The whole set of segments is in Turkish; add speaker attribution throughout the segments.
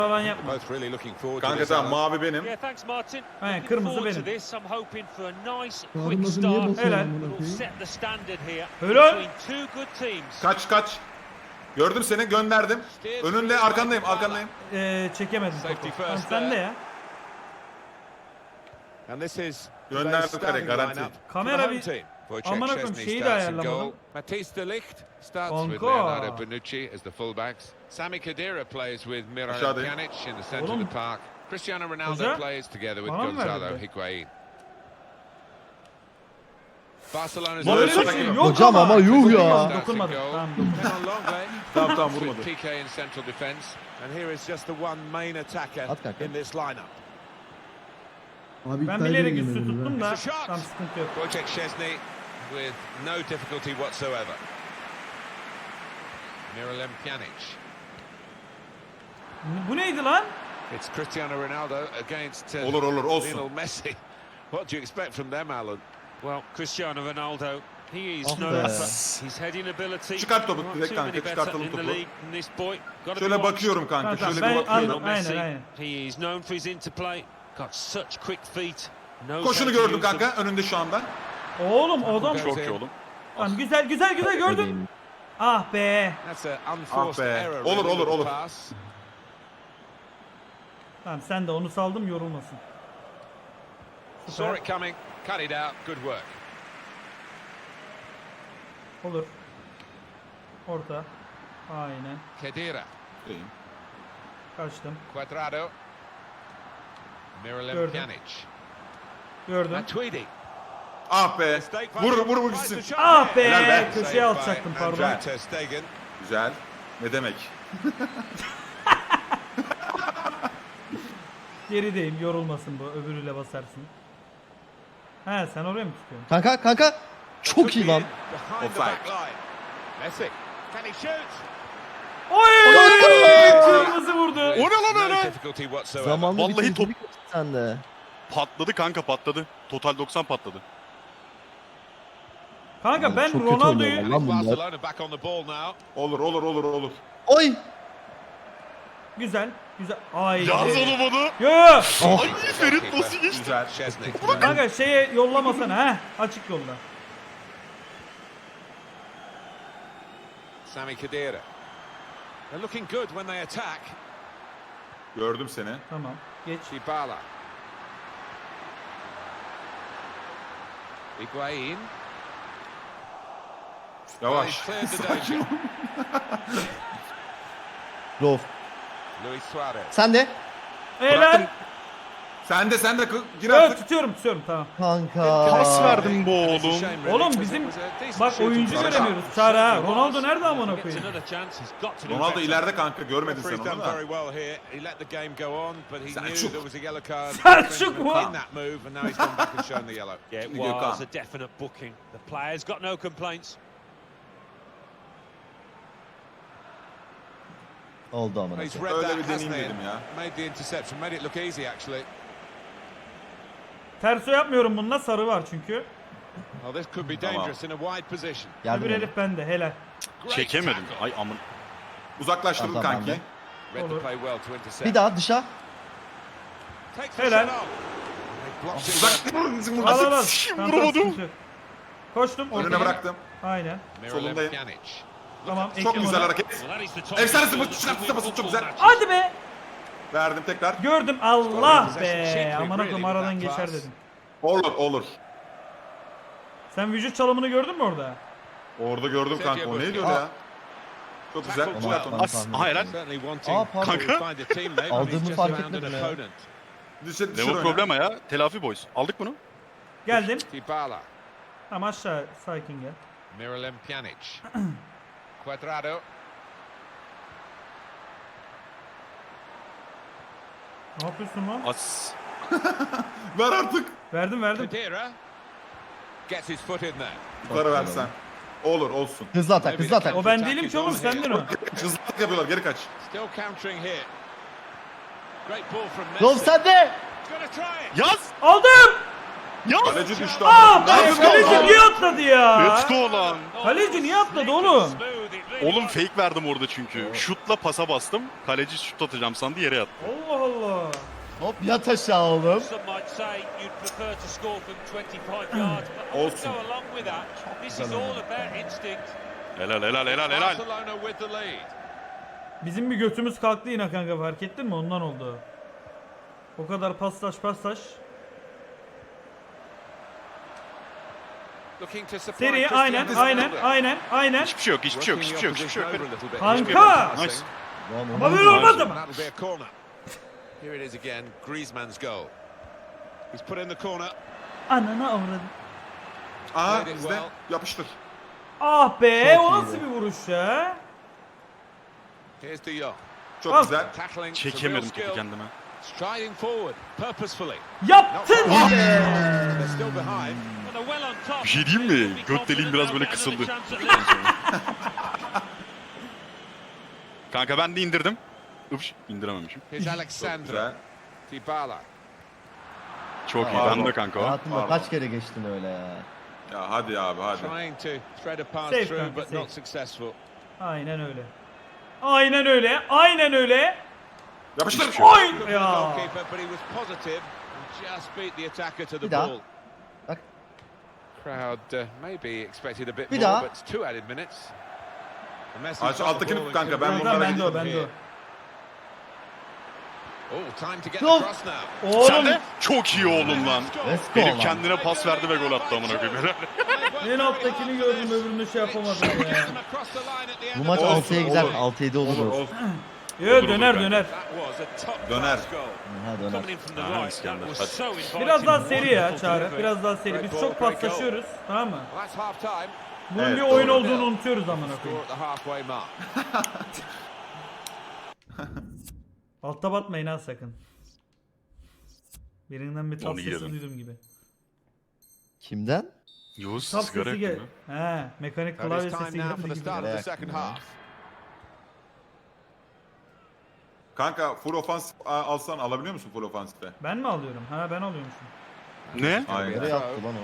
Speaker 1: falan yapma.
Speaker 2: Kanka tamam, mavi benim.
Speaker 1: He, kırmızı benim.
Speaker 3: Kırmızı niye basıyor
Speaker 1: Helal.
Speaker 3: amına koyayım?
Speaker 1: Helal.
Speaker 2: Kaç. Gördüm seni, gönderdim. Önünde, arkandayım.
Speaker 1: Çekemedim topu. Tamam, sen de ya.
Speaker 2: Gönderdim kare, garanti.
Speaker 1: Kamera bir... Aman akım şeyi de ayarlamadım. Kanka.
Speaker 4: Sami Khedira plays with Miralem
Speaker 2: Aşağıdayım.
Speaker 4: Pjanic in the centre of
Speaker 1: Oğlum.
Speaker 4: the park. Cristiano Ronaldo
Speaker 1: Hoca?
Speaker 4: plays together with
Speaker 1: Bana mı
Speaker 4: Gonzalo
Speaker 1: verdi?
Speaker 4: Higuain. Barcelona's
Speaker 2: Böyle
Speaker 1: Böyle bir
Speaker 2: şaka
Speaker 1: şey
Speaker 2: yok.
Speaker 1: yok
Speaker 3: Hocam ama yuh ya.
Speaker 1: Dokunmadım. Tamam, dokunmadım.
Speaker 2: Tamam vurmadı.
Speaker 4: PK in central defence.
Speaker 5: And here is just the one main attacker
Speaker 3: At kanka.
Speaker 5: in this lineup.
Speaker 3: Abi
Speaker 1: Ben
Speaker 3: iptal
Speaker 1: bilerek
Speaker 3: edin
Speaker 1: üstü
Speaker 3: yemin ederim
Speaker 1: tuttum
Speaker 3: ha.
Speaker 1: da tam sıkıntı yok.
Speaker 4: Wojciech Szczesny with no difficulty whatsoever. Miralem Pjanic.
Speaker 1: Bu neydi lan?
Speaker 4: It's Cristiano Ronaldo against
Speaker 2: Olur
Speaker 4: Lionel
Speaker 2: olsun.
Speaker 4: Messi. What do you expect from them, Alan?
Speaker 6: Well, Cristiano Ronaldo, he is
Speaker 3: Ah
Speaker 6: known
Speaker 3: be.
Speaker 6: for his heading ability.
Speaker 2: Çıkart topu
Speaker 6: Not
Speaker 2: direkt
Speaker 6: too
Speaker 2: kanka,
Speaker 6: many better
Speaker 2: çıkartalım
Speaker 6: in the
Speaker 2: topu.
Speaker 6: league than this boy. Gotta be
Speaker 2: Şöyle
Speaker 6: watched.
Speaker 2: bakıyorum kanka,
Speaker 1: Tamam,
Speaker 2: şöyle
Speaker 1: ben
Speaker 2: bir bakıyorum.
Speaker 1: anladım.
Speaker 6: Messi,
Speaker 1: Aynen.
Speaker 6: he is known for his interplay. Got such quick feet. Knows
Speaker 2: Koşunu
Speaker 6: how to
Speaker 2: gördüm
Speaker 6: use them.
Speaker 2: kanka, önünde şu anda.
Speaker 1: Oğlum adam
Speaker 4: Çok iyi oğlum.
Speaker 1: Tamam, güzel gördüm. Ah be.
Speaker 4: That's an unforced
Speaker 2: Ah be.
Speaker 4: error.
Speaker 2: Olur,
Speaker 4: really,
Speaker 2: olur,
Speaker 4: with
Speaker 2: olur.
Speaker 4: the pass.
Speaker 1: Tamam, sen de onu saldım, yorulmasın.
Speaker 4: Saw it coming, cut it out. Good work.
Speaker 1: Olur. Orta. Aynen.
Speaker 4: Khedira,
Speaker 1: Kaçtım.
Speaker 4: Cuadrado, Miralem
Speaker 1: Gördüm.
Speaker 4: Pjanic,
Speaker 1: Gördüm.
Speaker 4: Matuidi.
Speaker 2: Ah be. Vur gitsin.
Speaker 1: Ah be.
Speaker 2: Helal be.
Speaker 1: Köşeye atacaktım, pardon.
Speaker 2: Güzel.
Speaker 4: Ter Stegen.
Speaker 2: Güzel. Ne demek?
Speaker 1: Gerideyim, yorulmasın bu. Öbürüyle basarsın. He, sen oraya mı tutuyorsun?
Speaker 3: Kanka. Çok iyi lan.
Speaker 5: Behind the
Speaker 2: Offside.
Speaker 5: back line. Messi. Can he shoot?
Speaker 1: Oy! Kırmızı vurdu.
Speaker 7: O ne lan
Speaker 4: No
Speaker 7: öyle?
Speaker 4: difficulty whatsoever.
Speaker 3: Zamanlı
Speaker 7: Vallahi
Speaker 3: bir
Speaker 7: top-
Speaker 3: top sende.
Speaker 7: Patladı kanka patladı. Total 90 patladı.
Speaker 1: Kanka ben
Speaker 3: Çok kötü
Speaker 1: Ronaldo'yu...
Speaker 3: oynuyor lan bunlar.
Speaker 4: Barcelona back on the ball now.
Speaker 2: Olur.
Speaker 3: Oy.
Speaker 1: Güzel. Ay.
Speaker 7: Yalnız onu bunu.
Speaker 1: Yo.
Speaker 3: Oh.
Speaker 7: Ay Ferit nasıl geçti?
Speaker 2: Güzel.
Speaker 4: Szczesny.
Speaker 1: Kanka şeye yollamasana ha. Açık yolla.
Speaker 4: Sami Khedira.
Speaker 5: They're looking good when they attack.
Speaker 2: Gördüm seni.
Speaker 1: Tamam. Geç.
Speaker 4: Dybala. Higuain.
Speaker 2: Yavaş.
Speaker 4: He's cleared the danger.
Speaker 3: Rolf.
Speaker 4: Luis Suarez.
Speaker 3: Sen de.
Speaker 1: Helal.
Speaker 2: Sen de gir
Speaker 1: Evet,
Speaker 2: artık.
Speaker 1: tutuyorum tamam.
Speaker 3: Kanka.
Speaker 7: Pas verdim bu
Speaker 5: It's a
Speaker 7: oğlum.
Speaker 5: shame, really,
Speaker 1: Oğlum
Speaker 5: because
Speaker 1: bizim
Speaker 5: it was a decent
Speaker 1: bak
Speaker 5: shooting
Speaker 1: oyuncu
Speaker 5: chance.
Speaker 1: göremiyoruz. Çağrı ha. Ronaldo nerede amına
Speaker 6: Gets
Speaker 1: koyayım?
Speaker 6: another chance. He's got to do
Speaker 2: Ronaldo
Speaker 6: better.
Speaker 2: ileride kanka, görmedin sen
Speaker 5: Referee's
Speaker 2: onu
Speaker 5: done
Speaker 2: da.
Speaker 5: very well here. He let the game go on, but he knew
Speaker 2: Selçuk.
Speaker 5: there was a yellow card
Speaker 1: Selçuk mu?
Speaker 5: in that move, and now he's gone back and shown the yellow.
Speaker 6: Yeah, it
Speaker 2: Şimdi Gökhan.
Speaker 6: was a definite booking. The players got no complaints.
Speaker 3: Oldu ama.
Speaker 5: He's read
Speaker 2: Öyle
Speaker 5: that,
Speaker 2: bir
Speaker 5: hasn't
Speaker 2: deneyim
Speaker 5: he?
Speaker 2: dedim ya.
Speaker 5: Made the interception, made it look easy actually.
Speaker 1: Terso yapmıyorum bununla, sarı var çünkü.
Speaker 5: Well, this could be
Speaker 2: Tamam.
Speaker 5: dangerous in a wide position.
Speaker 3: Yardım
Speaker 1: Öbür
Speaker 3: edin.
Speaker 1: herif bende, helal.
Speaker 5: Great
Speaker 7: Çekemedim.
Speaker 5: tackle.
Speaker 7: Ay amın.
Speaker 2: Uzaklaştırdım
Speaker 3: Tamam,
Speaker 2: kanki.
Speaker 3: ben de.
Speaker 4: Read the
Speaker 1: Olur.
Speaker 4: play well to intercept.
Speaker 3: Bir daha dışa.
Speaker 5: Takes the
Speaker 1: Helal.
Speaker 5: shot on. They blocked it.
Speaker 2: Uzak.
Speaker 1: Al. Tamam,
Speaker 7: vuramadım.
Speaker 1: sıkıntı yok. Koştum.
Speaker 2: Önüne
Speaker 1: ortaya.
Speaker 2: bıraktım.
Speaker 1: Aynen.
Speaker 4: Miralem
Speaker 2: Solundayım.
Speaker 4: Pjanic.
Speaker 1: Tamam.
Speaker 2: Çok
Speaker 1: ekle
Speaker 2: güzel
Speaker 1: onu.
Speaker 2: hareket.
Speaker 6: Well, that is the top
Speaker 2: Efsanesi
Speaker 6: goal
Speaker 2: bu,
Speaker 6: that
Speaker 2: çıkarttı
Speaker 6: win
Speaker 2: basın, çok
Speaker 6: football
Speaker 2: güzel.
Speaker 6: matches.
Speaker 1: Hadi be.
Speaker 2: Verdim tekrar.
Speaker 1: Gördüm. Allah
Speaker 5: Possession
Speaker 1: be.
Speaker 5: cheaply,
Speaker 1: Aman
Speaker 5: really,
Speaker 1: akım aradan
Speaker 5: with that
Speaker 1: geçer
Speaker 5: pass.
Speaker 1: dedim.
Speaker 2: Olur.
Speaker 1: Sen vücut çalımını gördün mü orada?
Speaker 2: Orada gördüm kanka. O neydi öyle ya? Çok güzel.
Speaker 5: Tackle
Speaker 2: Çıkart
Speaker 5: well.
Speaker 2: onu.
Speaker 7: As. Aha helal.
Speaker 5: Certainly wanting
Speaker 3: Aa, pardon.
Speaker 5: to
Speaker 7: Kanka.
Speaker 5: find a teammate, but
Speaker 3: Aldığımı
Speaker 5: he's just
Speaker 3: fark
Speaker 5: found an
Speaker 3: etmedim ya.
Speaker 5: opponent.
Speaker 2: Düşür
Speaker 7: Ne bu
Speaker 2: öne.
Speaker 7: problema ya? Telafi boys. Aldık bunu.
Speaker 1: Geldim.
Speaker 4: Dybala.
Speaker 1: Tamam, aşağı sakin gel.
Speaker 4: Miralem Pjanic. Cuadrado.
Speaker 1: Ne yapıyorsun lan?
Speaker 7: As.
Speaker 2: Ver artık.
Speaker 1: Verdim.
Speaker 4: Khedira. Gets his foot in there.
Speaker 2: Yukarı versen. Olur, olsun.
Speaker 3: Hızlı atak. Hızlı atak.
Speaker 1: O ben değilim ki oğlum, sendin o.
Speaker 2: Hızlı yapıyorlar, geri kaç.
Speaker 5: Still countering here. Great ball from Messi.
Speaker 3: Rolf sen de.
Speaker 5: He's gonna try it.
Speaker 7: Yaz.
Speaker 1: Aldım.
Speaker 7: Ya
Speaker 2: Kaleci düştü.
Speaker 1: Aa,
Speaker 2: ama. Ne yapıyorsun
Speaker 1: kaleci
Speaker 2: lan?
Speaker 1: niye atladı ya?
Speaker 7: let's go lan.
Speaker 1: Kaleci niye atladı oğlum?
Speaker 7: Oğlum fake verdim orada çünkü. Şutla pasa bastım. Kaleci şut atacağım sandı yere yattı.
Speaker 1: Allah Allah.
Speaker 3: Hop yat aşağı oğlum.
Speaker 6: Some might say you'd prefer to score from 25 yards, but I
Speaker 2: Olsun.
Speaker 6: go along with that. This is all about instinct.
Speaker 7: Helal helal helal helal.
Speaker 5: Barcelona with the lead.
Speaker 1: Bizim bir götümüz kalktı yine kanka, fark ettin mi? Ondan oldu. O kadar paslaş.
Speaker 5: Looking to supply
Speaker 1: Seri
Speaker 5: Cristiano
Speaker 1: aynen.
Speaker 5: Ronaldo.
Speaker 7: Hiçbir şey yok hiçbir şey yok hiçbir şey yok hiçbir şey yok.
Speaker 5: Working the opposition
Speaker 1: Kanka!
Speaker 5: over a little bit.
Speaker 7: Nice.
Speaker 3: Lan
Speaker 1: Ama
Speaker 3: oğlum.
Speaker 1: böyle olmaz ama.
Speaker 5: That'll be a corner. Here it is again. Griezmann's goal. He's put in the corner.
Speaker 1: Ananı avradım.
Speaker 2: Aha bizde. Yapıştır.
Speaker 1: Ah be,
Speaker 3: Çok
Speaker 1: o
Speaker 3: iyiydi.
Speaker 1: nasıl bir vuruş ya?
Speaker 5: Here's De Jong.
Speaker 2: Çok
Speaker 1: Al.
Speaker 2: güzel.
Speaker 5: Tackling. some real
Speaker 7: Çekemedim topu
Speaker 5: skill.
Speaker 7: kendime.
Speaker 5: Striding forward purposefully.
Speaker 1: Yaptın!
Speaker 5: They're still behind.
Speaker 6: And they're well on top.
Speaker 7: Bir şey diyeyim mi? Göt deliğim biraz böyle kısıldı. Kanka ben de indirdim. Ups indirememişim.
Speaker 5: Here's
Speaker 2: Çok
Speaker 5: Alexandra.
Speaker 2: güzel.
Speaker 5: Dybala.
Speaker 7: Çok iyi
Speaker 2: Pardon.
Speaker 7: ben de kanka o.
Speaker 3: Hayatımda
Speaker 2: Pardon.
Speaker 3: kaç kere geçtin öyle ya.
Speaker 2: Ya hadi abi hadi.
Speaker 5: Trying to thread a pass
Speaker 1: Safe,
Speaker 5: through
Speaker 1: kanka,
Speaker 5: but
Speaker 1: safe.
Speaker 5: not successful.
Speaker 1: Aynen öyle.
Speaker 2: Yapıştır.
Speaker 1: Oy!
Speaker 5: Good for the
Speaker 1: Ya.
Speaker 5: goalkeeper, but he was positive and just beat the attacker to the
Speaker 3: Bir daha.
Speaker 5: ball.
Speaker 3: Bak.
Speaker 5: Crowd maybe expected a bit
Speaker 3: Bir
Speaker 5: more,
Speaker 3: daha.
Speaker 5: but it's 2 added minutes. The Messi
Speaker 2: Aç
Speaker 5: got the
Speaker 2: alttakini
Speaker 5: ball
Speaker 2: tut kanka,
Speaker 5: and
Speaker 2: ben
Speaker 5: couldn't
Speaker 2: bunlara
Speaker 5: get
Speaker 1: Bende o.
Speaker 5: them here. Oh, time to get the
Speaker 3: Yok.
Speaker 5: cross now.
Speaker 7: Sen
Speaker 1: Oğlum
Speaker 7: de çok iyi oğlum lan.
Speaker 3: Let's go
Speaker 7: Herif
Speaker 3: lan.
Speaker 7: kendine pas verdi ve gol attı amına koyayım.
Speaker 1: en alttakini gördüm, öbürünü şey yapamadım ya.
Speaker 3: Bu maç
Speaker 2: Olsun,
Speaker 3: 6'ya gider.
Speaker 2: olur.
Speaker 3: 6-7 olur.
Speaker 2: Olur
Speaker 3: Olur.
Speaker 2: olsun.
Speaker 1: Yo, döner.
Speaker 6: That was a top
Speaker 2: Döner.
Speaker 6: class goal.
Speaker 3: Ha döner.
Speaker 6: Coming in from the
Speaker 7: Ah,
Speaker 6: right,
Speaker 7: İskender,
Speaker 6: that was
Speaker 7: hadi.
Speaker 6: so inviting.
Speaker 1: Biraz daha seri ya
Speaker 6: Wonderful
Speaker 1: Çağrı.
Speaker 6: delivery.
Speaker 1: Biraz daha seri. Biz çok paslaşıyoruz. Tamam mı?
Speaker 5: Well, that's half time.
Speaker 1: Bunun
Speaker 2: Evet,
Speaker 1: bir oyun
Speaker 2: doğru.
Speaker 1: olduğunu unutuyoruz amına
Speaker 5: Score
Speaker 1: koyayım.
Speaker 5: at the halfway mark.
Speaker 1: Altta batmayın ha sakın. Birinden bir tap
Speaker 7: Onu
Speaker 1: sesi
Speaker 7: yedim.
Speaker 1: duydum gibi.
Speaker 3: Kimden?
Speaker 7: Yavuz
Speaker 1: Tap
Speaker 7: sigara
Speaker 1: sesi gel.
Speaker 7: yaktın mı?
Speaker 1: He, mekanik
Speaker 5: That
Speaker 1: klavye
Speaker 5: is
Speaker 1: sesi
Speaker 5: time now for
Speaker 1: geldi
Speaker 5: the
Speaker 1: gibi.
Speaker 5: start of the
Speaker 3: React
Speaker 5: second
Speaker 3: ya.
Speaker 5: half.
Speaker 2: Kanka full ofansif alsan alabiliyor musun full ofansife?
Speaker 1: Ben mi alıyorum? Ha, ben alıyormuşum.
Speaker 7: Ne?
Speaker 2: Aynen.
Speaker 3: Nereye attı lan o?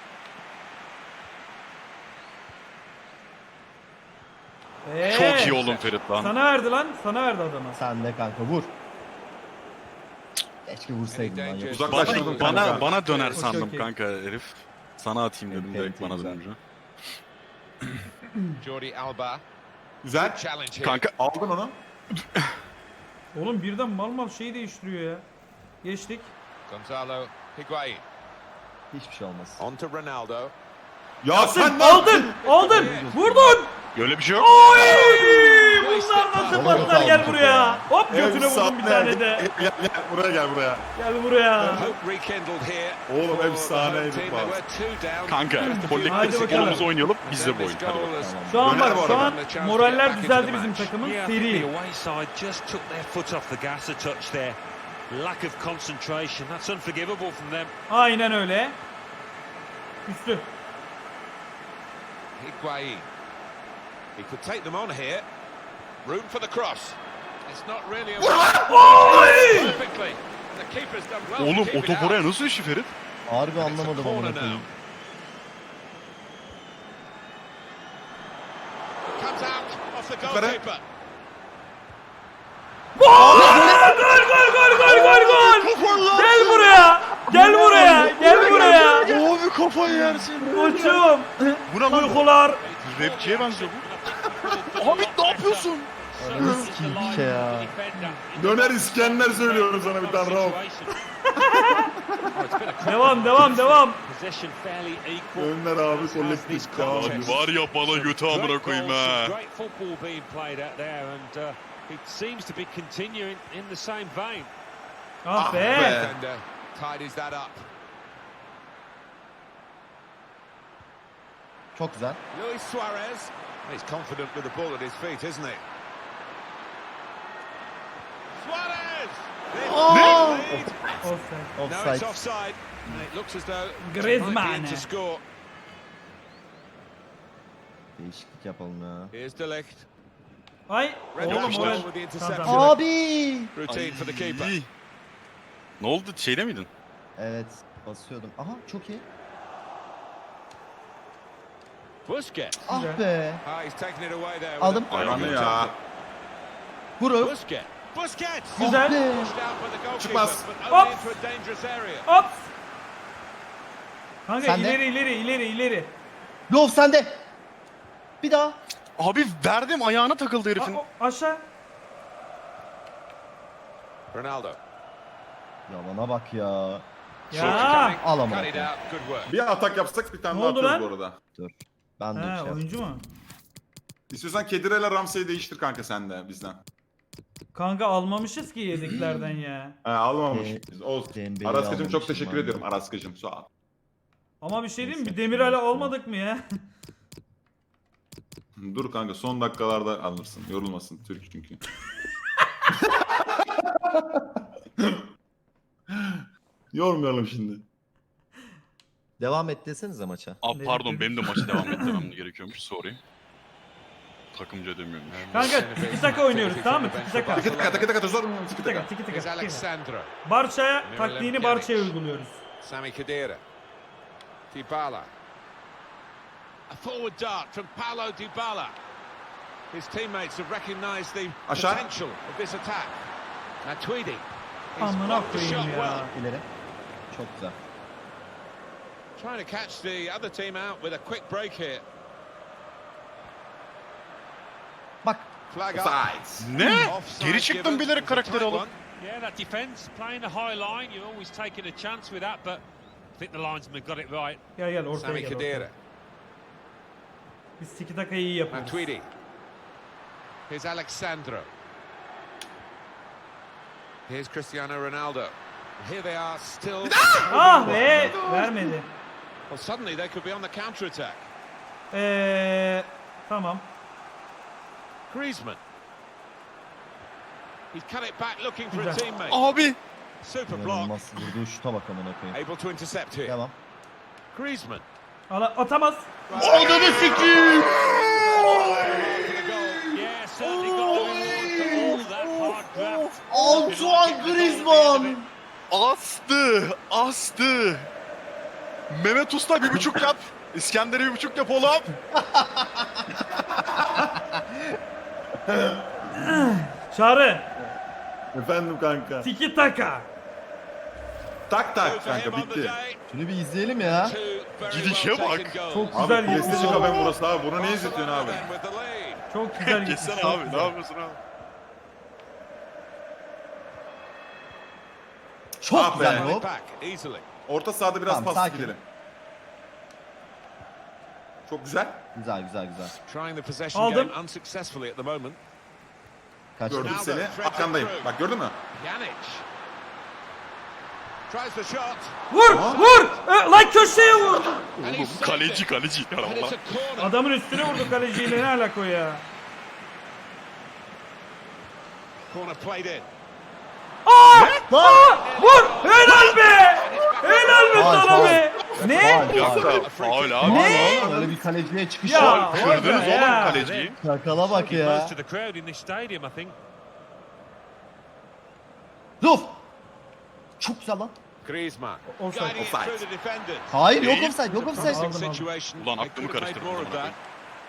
Speaker 7: Çok iyi oğlum Ferit lan.
Speaker 1: Sana verdi lan. Sana verdi adama.
Speaker 3: Sen de kanka vur. Keşke vursaydın lan. Yok.
Speaker 2: Uzaklaştırdım
Speaker 7: Bana
Speaker 2: kanka.
Speaker 7: bana döner
Speaker 1: Okey,
Speaker 7: sandım
Speaker 1: okey.
Speaker 7: kanka herif. Sana atayım dedim
Speaker 3: Enti,
Speaker 7: direkt bana
Speaker 3: güzel.
Speaker 7: dönünce.
Speaker 5: Jordi Alba.
Speaker 2: Güzel.
Speaker 5: Challenge here.
Speaker 7: Kanka
Speaker 2: Aldın onu.
Speaker 1: Oğlum birden mal şeyi değiştiriyor ya. Geçtik.
Speaker 5: Gonzalo Higuain.
Speaker 3: Hiçbir şey olmaz.
Speaker 5: On to Ronaldo.
Speaker 2: Ya sen ne
Speaker 1: Aldın. Vurdun.
Speaker 7: öyle bir şey yok.
Speaker 1: Oy! Bunlar nasıl
Speaker 3: Vallahi
Speaker 1: patlar, gel
Speaker 3: aldık
Speaker 1: buraya.
Speaker 3: ya.
Speaker 1: Hop götüne vurdum bir tane de.
Speaker 2: Gel buraya gel buraya.
Speaker 1: Gel buraya.
Speaker 5: Hope rekindled here.
Speaker 2: Oğlum,
Speaker 5: for the
Speaker 2: efsaneydi
Speaker 5: home team.
Speaker 2: bak.
Speaker 5: They were 2 down.
Speaker 7: Kanka
Speaker 1: Hadi
Speaker 7: kolektif
Speaker 1: bakalım.
Speaker 7: futbolumuzu oynayalım biz de bu
Speaker 5: Then
Speaker 7: oyun.
Speaker 5: this
Speaker 7: Hadi
Speaker 5: goal
Speaker 7: bakalım.
Speaker 5: has
Speaker 1: Şu an
Speaker 2: Döner bu
Speaker 1: bak, şu
Speaker 2: arada.
Speaker 1: an moraller düzeldi bizim takımın.
Speaker 6: Yeah, I think the
Speaker 1: Seri.
Speaker 6: away side just took their foot off the gas a touch there. Lack of concentration. That's unforgivable from them.
Speaker 1: Aynen öyle. Üstü.
Speaker 5: Higuain. He could take them on here. Room for the cross. It's not really a perfectly. The keeper's done well. to
Speaker 7: Oğlum
Speaker 5: keep
Speaker 7: o
Speaker 5: it
Speaker 7: top
Speaker 5: out.
Speaker 7: oraya nasıl düştü Ferit?
Speaker 3: Harbi
Speaker 5: It's a
Speaker 3: anlamadım
Speaker 5: corner
Speaker 3: amına
Speaker 5: now.
Speaker 3: koyayım.
Speaker 5: Comes out off the
Speaker 2: Yukarı.
Speaker 5: goalkeeper.
Speaker 1: Gol! Gel buraya. Gel buraya.
Speaker 7: Abi kafayı yersin.
Speaker 1: Koçum.
Speaker 7: Bu ne lan?
Speaker 1: Uykular.
Speaker 7: Rapçiye benziyor bu.
Speaker 6: Abi
Speaker 7: ne yapıyorsun?
Speaker 3: Ananı sikeyim bir şey ya.
Speaker 2: Döner İskender söylüyorum sana bir tane Rauf.
Speaker 1: Devam.
Speaker 6: Possession fairly equal.
Speaker 2: Döner abi kolektif. Devam
Speaker 7: Abi
Speaker 2: ediyor.
Speaker 7: var ya bana götü amına koyayım ha.
Speaker 6: Great football being played out there, and it seems to be continuing in the same vein.
Speaker 1: Ah be.
Speaker 5: Defender tidies that up.
Speaker 3: Çok güzel.
Speaker 5: Luis Suarez. He's confident with the ball at his feet, isn't he? Suarez!
Speaker 3: Oh!
Speaker 5: Lead.
Speaker 1: Offside.
Speaker 5: No, it's
Speaker 3: Offside.
Speaker 5: offside. And it looks as though it
Speaker 1: Griezmann.
Speaker 5: might be in to score.
Speaker 3: Değişiklik yapalım ya.
Speaker 5: Here's De Ligt.
Speaker 1: Ay.
Speaker 5: Red
Speaker 1: Oğlum
Speaker 5: Bull
Speaker 1: moral.
Speaker 5: with the interception.
Speaker 1: Tamam.
Speaker 3: Abi!
Speaker 5: Routine for the keeper.
Speaker 7: Ne oldu şeyde miydin?
Speaker 3: Evet. Basıyordum. Aha çok iyi.
Speaker 5: Busquets.
Speaker 3: Ah
Speaker 1: Güzel.
Speaker 3: be.
Speaker 5: Ah, he's taken it away there. with
Speaker 3: Aldım.
Speaker 5: a very
Speaker 2: Hayvanı
Speaker 5: good
Speaker 2: ya.
Speaker 5: tackle.
Speaker 3: Vurur.
Speaker 5: Busquets. Busquets.
Speaker 1: Güzel.
Speaker 3: Be.
Speaker 5: Pushed out by the goalkeeper,
Speaker 2: Çıkmaz.
Speaker 5: but only
Speaker 1: Hop.
Speaker 5: into a dangerous area.
Speaker 1: Ops. Kanka
Speaker 3: Sen de.
Speaker 1: ileri.
Speaker 3: Lov sende. Bir daha.
Speaker 7: Abi verdim ayağına takıldı herifin.
Speaker 1: Aşağı.
Speaker 5: Ronaldo.
Speaker 3: Yalana bak ya.
Speaker 1: Ya.
Speaker 3: Al ama
Speaker 5: Cut it
Speaker 3: bakayım.
Speaker 5: out. Good work.
Speaker 2: Bir atak yapsak bir tane
Speaker 1: Ne
Speaker 2: daha
Speaker 1: oldu
Speaker 2: atıyoruz
Speaker 1: lan?
Speaker 2: bu arada.
Speaker 3: Ben de
Speaker 1: Ha,
Speaker 3: şey
Speaker 1: oyuncu mu?
Speaker 2: İstiyorsan Kedire'yle Ramsey'i değiştir kanka sen de bizden.
Speaker 1: Kanka almamışız ki yediklerden ya.
Speaker 2: Almamış.
Speaker 3: Ee,
Speaker 2: Biz olsun.
Speaker 3: Dembele'yi
Speaker 2: Araskacım çok
Speaker 3: almamışım
Speaker 2: teşekkür
Speaker 3: ben de.
Speaker 2: ediyorum Araskacım sağ ol.
Speaker 1: Ama bir şey diyeyim mi?
Speaker 3: Neyse,
Speaker 1: Demirel'e
Speaker 3: neyse.
Speaker 1: olmadık mı ya?
Speaker 2: Dur kanka son dakikalarda alırsın. Yorulmasın Türk çünkü. Yormayalım şimdi.
Speaker 3: Devam et desenize maça.
Speaker 7: Aa,
Speaker 1: Ne
Speaker 7: pardon
Speaker 1: dedim?
Speaker 7: benim de maçı devam ettirmem gerekiyormuş. Sorry. Takımca demiyormuş.
Speaker 1: Kanka tiki taka oynuyoruz tamam mı? Tiki taka.
Speaker 2: Tıkı tıkı tıkı zor mu? Tıkı
Speaker 1: Tiki taka,
Speaker 2: tıkı.
Speaker 1: tiki taka.
Speaker 5: Here's
Speaker 1: tiki taka.
Speaker 5: Alexandro.
Speaker 1: Barça'ya taktiğini Barça'ya uyguluyoruz.
Speaker 5: Sami Khedira. Dybala. A forward dart from Paulo Dybala. His teammates have recognised the
Speaker 2: Aşağı.
Speaker 5: potential of this attack. Matuidi. He's
Speaker 1: Amına
Speaker 5: blocked the
Speaker 1: koyayım
Speaker 5: shot
Speaker 1: ya.
Speaker 5: well.
Speaker 3: İleri. Çok güzel.
Speaker 5: Trying to catch the other team out with a quick break here.
Speaker 3: Bak.
Speaker 5: Flag up.
Speaker 2: Offside.
Speaker 7: Ne?
Speaker 5: Offside
Speaker 7: Geri çıktım
Speaker 5: given.
Speaker 7: bilerek
Speaker 5: It's a
Speaker 7: karakteri
Speaker 5: tight
Speaker 7: alıp.
Speaker 5: one.
Speaker 6: Yeah, that defence, playing the high line, you're always taking a chance with that, but I think the linesman got it right.
Speaker 1: Gel ortaya
Speaker 5: Sami
Speaker 1: gel.
Speaker 5: Khedira.
Speaker 1: Ortaya. Biz tiki takayı iyi yapıyoruz.
Speaker 5: Matuidi. Here's Alexandro. Here's Cristiano Ronaldo. Here they are still.
Speaker 1: Ah be! Vermedi.
Speaker 5: Well, suddenly they could be on the counter attack.
Speaker 1: Tamam.
Speaker 5: Griezmann. He's cut it back looking for a
Speaker 1: Güzel.
Speaker 5: teammate.
Speaker 7: Abi.
Speaker 5: Super block.
Speaker 3: İnanılmaz vurduğu şuta bak amına koyayım.
Speaker 5: Able to intercept here.
Speaker 3: Devam.
Speaker 5: Griezmann.
Speaker 1: Atamaz.
Speaker 3: Ananı sikiyim.
Speaker 6: Yeah, certainly got the reward for all that hard graft.
Speaker 3: Antoine Griezmann.
Speaker 7: Astı. Mehmet Usta 1.5 yap. İskender'e 1.5 yap oğlum.
Speaker 1: Çağrı.
Speaker 2: Efendim kanka.
Speaker 1: Tiki taka.
Speaker 2: Tak tak
Speaker 5: For him
Speaker 2: kanka
Speaker 5: on the
Speaker 2: bitti.
Speaker 5: day.
Speaker 3: Şunu bir izleyelim ya.
Speaker 5: Two very
Speaker 7: Gidişe
Speaker 5: well
Speaker 7: bak.
Speaker 5: taken goals.
Speaker 1: Çok
Speaker 2: Abi
Speaker 1: güzel
Speaker 2: PlayStation
Speaker 1: gitmiş.
Speaker 2: kafen burası abi. Bunu ne izletiyorsun abi?
Speaker 5: Barcelona then with the lead.
Speaker 1: Çok güzel gitmiş.
Speaker 7: Geçsene
Speaker 1: çok
Speaker 7: abi.
Speaker 1: güzel.
Speaker 7: Ne yapıyorsun abi?
Speaker 3: Çok
Speaker 2: Ah be.
Speaker 3: güzel
Speaker 5: Won it
Speaker 3: hop.
Speaker 5: back easily.
Speaker 2: Orta sahada biraz
Speaker 3: Tamam,
Speaker 2: pas
Speaker 3: sakin.
Speaker 2: gidelim. Çok güzel.
Speaker 3: Güzel güzel güzel.
Speaker 5: Trying the possession
Speaker 1: Aldım.
Speaker 5: game unsuccessfully at the moment.
Speaker 3: Kaçtı.
Speaker 2: Gördüm
Speaker 5: Ronaldo
Speaker 2: seni.
Speaker 5: threads it
Speaker 2: Arkandayım.
Speaker 5: through.
Speaker 2: Bak gördün mü?
Speaker 5: Pjanic. Tries the shot.
Speaker 1: Vur! Lan köşeye vur!
Speaker 5: And he's saved
Speaker 7: Kaleci
Speaker 5: it.
Speaker 7: kaleci.
Speaker 5: And it's
Speaker 7: Allah.
Speaker 5: a corner.
Speaker 1: Adamın üstüne vurdu kaleciyle ne alaka o ya?
Speaker 5: Corner played in.
Speaker 1: Vur! Helal be! Helal be
Speaker 3: Faul,
Speaker 1: sana
Speaker 3: faul.
Speaker 1: be! Ne?
Speaker 7: Faul abi.
Speaker 1: Ne?
Speaker 3: Öyle bir kaleciye çıkış
Speaker 1: Ya,
Speaker 3: var.
Speaker 7: Kırdınız
Speaker 1: orada
Speaker 7: oğlum
Speaker 1: ya.
Speaker 7: kaleciyi.
Speaker 3: Şakala bak
Speaker 6: Did
Speaker 3: ya.
Speaker 6: most of the crowd in this stadium, I think.
Speaker 3: Ruf. Çok güzel lan.
Speaker 5: Griezmann.
Speaker 1: Offside,
Speaker 5: Guiding it
Speaker 2: offside.
Speaker 5: through the defenders.
Speaker 3: Hayır yok
Speaker 7: Değil.
Speaker 3: offside yok offside.
Speaker 5: Promising
Speaker 1: Aldım.
Speaker 5: situation.
Speaker 7: Ulan
Speaker 5: They
Speaker 7: aklımı
Speaker 5: could have made
Speaker 7: karıştırdım
Speaker 5: more of
Speaker 7: amına
Speaker 5: that.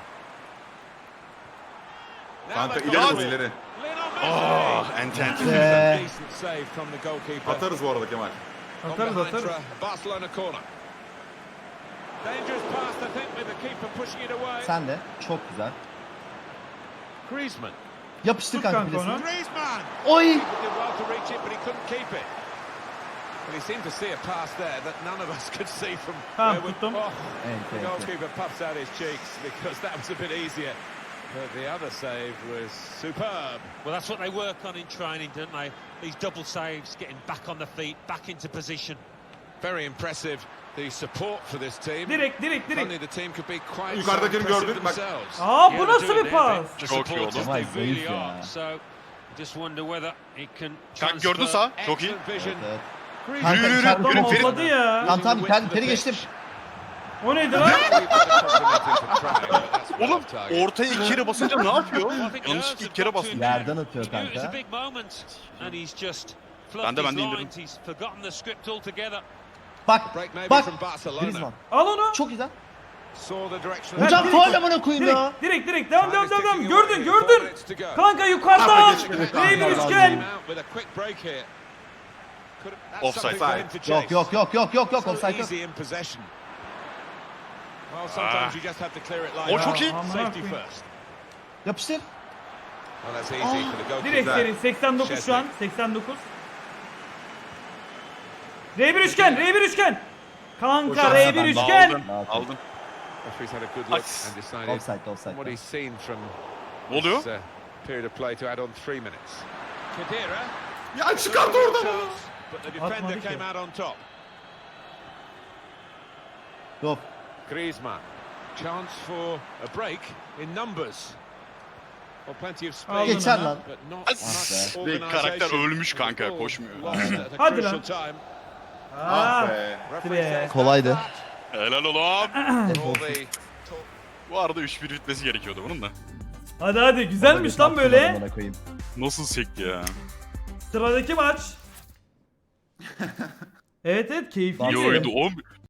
Speaker 5: Now
Speaker 2: Kanka
Speaker 5: they've
Speaker 2: ileri
Speaker 5: got
Speaker 2: vur
Speaker 5: it.
Speaker 2: ileri.
Speaker 5: Lionel Messi.
Speaker 7: Enten.
Speaker 3: Be.
Speaker 5: Decent save from the goalkeeper.
Speaker 2: Atarız bu arada Kemal.
Speaker 5: Gone
Speaker 1: Atarız
Speaker 5: behind
Speaker 1: atarız.
Speaker 5: for a Barcelona corner. Dangerous pass, I think, with the keeper pushing it away.
Speaker 3: Sen de. Çok güzel.
Speaker 5: Griezmann.
Speaker 3: Yapıştır
Speaker 1: Tut
Speaker 3: kanka
Speaker 1: kanka
Speaker 3: bilesini.
Speaker 1: onu.
Speaker 5: Griezmann!
Speaker 3: Oy.
Speaker 5: He did well to reach it, but he couldn't keep it. But he seemed to see a pass there that none of us could see from
Speaker 1: Tamam,
Speaker 5: where we...
Speaker 1: tuttum.
Speaker 5: Oh, the
Speaker 3: Ente ente.
Speaker 5: goalkeeper puffs out his cheeks because that was a bit easier. But the other save was superb.
Speaker 6: Well, that's what they work on in training, don't they? These double saves, getting back on the feet, back into position.
Speaker 5: Very impressive, the support for this team.
Speaker 1: Direkt.
Speaker 5: Only the team could be quite so
Speaker 2: Yukarıdakini
Speaker 5: impressive
Speaker 2: gördün, bak.
Speaker 5: themselves.
Speaker 1: Aa
Speaker 6: Yeah,
Speaker 1: bu
Speaker 6: they're
Speaker 1: nasıl
Speaker 6: doing
Speaker 1: bir
Speaker 6: their
Speaker 1: pas?
Speaker 6: bit. The
Speaker 7: Çok iyi
Speaker 6: supporters,
Speaker 7: oldu.
Speaker 3: Vay,
Speaker 6: they really
Speaker 3: zayıf ya.
Speaker 6: are. So, just wonder whether it can
Speaker 7: Kanka gördün
Speaker 6: transfer.
Speaker 7: sağ. Çok iyi.
Speaker 5: Excellent vision.
Speaker 3: Evet.
Speaker 1: Griezmann
Speaker 3: Kanka
Speaker 7: Yürü,
Speaker 3: içeride
Speaker 7: yürü,
Speaker 1: Adam
Speaker 7: Ferit.
Speaker 1: hopladı ya.
Speaker 3: Tamam tamam
Speaker 5: Using the width of the
Speaker 3: teri geçtim.
Speaker 5: pitch.
Speaker 1: O neydi lan?
Speaker 7: Oğlum ortaya iki kere basınca ne yapıyor?
Speaker 6: Well, I think
Speaker 7: Yanlış
Speaker 6: nerves
Speaker 7: ilk
Speaker 6: have
Speaker 7: kere
Speaker 6: got to
Speaker 7: bastı.
Speaker 6: him
Speaker 3: Yerden
Speaker 6: there.
Speaker 3: atıyor
Speaker 6: He knew it was a
Speaker 3: kanka.
Speaker 6: big moment, and he's just
Speaker 7: Ben
Speaker 6: flubbed
Speaker 7: de
Speaker 6: his
Speaker 7: indirdim.
Speaker 6: lines. He's forgotten the script altogether.
Speaker 3: Bak.
Speaker 5: Break maybe
Speaker 3: Bak.
Speaker 5: from Barcelona.
Speaker 3: Griezmann.
Speaker 1: Al onu.
Speaker 3: Çok güzel.
Speaker 5: Saw the direction.
Speaker 3: Hocam
Speaker 1: direkt-
Speaker 3: faul amına koyayım ya.
Speaker 1: Direkt devam.
Speaker 5: Time is ticking away
Speaker 1: Gördün
Speaker 5: here.
Speaker 1: gördün.
Speaker 5: 4 minutes to go.
Speaker 1: Kanka yukarıdan.
Speaker 3: Evet,
Speaker 1: Rey bir
Speaker 3: Allah
Speaker 1: üçgen.
Speaker 5: Came out with a quick break here. That's
Speaker 7: Offside.
Speaker 5: something for him to chase.
Speaker 3: Yok.
Speaker 5: So
Speaker 3: Offside yok.
Speaker 5: easy in possession. Well, sometimes you just have to clear it like
Speaker 7: O
Speaker 5: that.
Speaker 7: çok iyi.
Speaker 1: Aman
Speaker 5: Safety
Speaker 1: koyayım.
Speaker 5: first.
Speaker 3: Yapıştır.
Speaker 5: Well, that's easy for the goalkeeper.
Speaker 1: Direkt seri 89 şu an. 89. R1 üçgen. Kanka
Speaker 2: Boşalt.
Speaker 1: R1 üçgen.
Speaker 7: Aldın. Aldın.
Speaker 5: Referee's had a good
Speaker 7: Ay.
Speaker 5: look and decided
Speaker 3: Offside.
Speaker 5: from what he's seen from
Speaker 7: Ne oluyor?
Speaker 5: this, period of play to add on 3 minutes. Khedira.
Speaker 2: Ya çıkardı oradan.
Speaker 5: But the defender
Speaker 1: Atmadı ki.
Speaker 5: came out on top.
Speaker 3: Ruf.
Speaker 5: Griezmann. Chance for a break in numbers. Well, plenty of
Speaker 1: Al
Speaker 5: space.
Speaker 3: Geçer lan.
Speaker 5: But not much organisation.
Speaker 7: Karakter ölmüş
Speaker 5: And the
Speaker 7: kanka,
Speaker 5: ball
Speaker 7: koşmuyor.
Speaker 5: lost at a
Speaker 1: Hadi
Speaker 5: crucial
Speaker 1: lan.
Speaker 5: time.
Speaker 2: Ah be.
Speaker 5: Referee
Speaker 1: Be.
Speaker 5: says
Speaker 3: Kolaydı.
Speaker 5: that.
Speaker 7: Helal oğlum.
Speaker 5: All the talk.
Speaker 7: Bu arada 3-1 bitmesi gerekiyordu bunun da.
Speaker 1: Hadi güzelmiş lan böyle.
Speaker 3: Amına koyayım.
Speaker 7: Nasıl sekti ya?
Speaker 1: Sıradaki maç. Evet keyifli.
Speaker 7: Yoydu.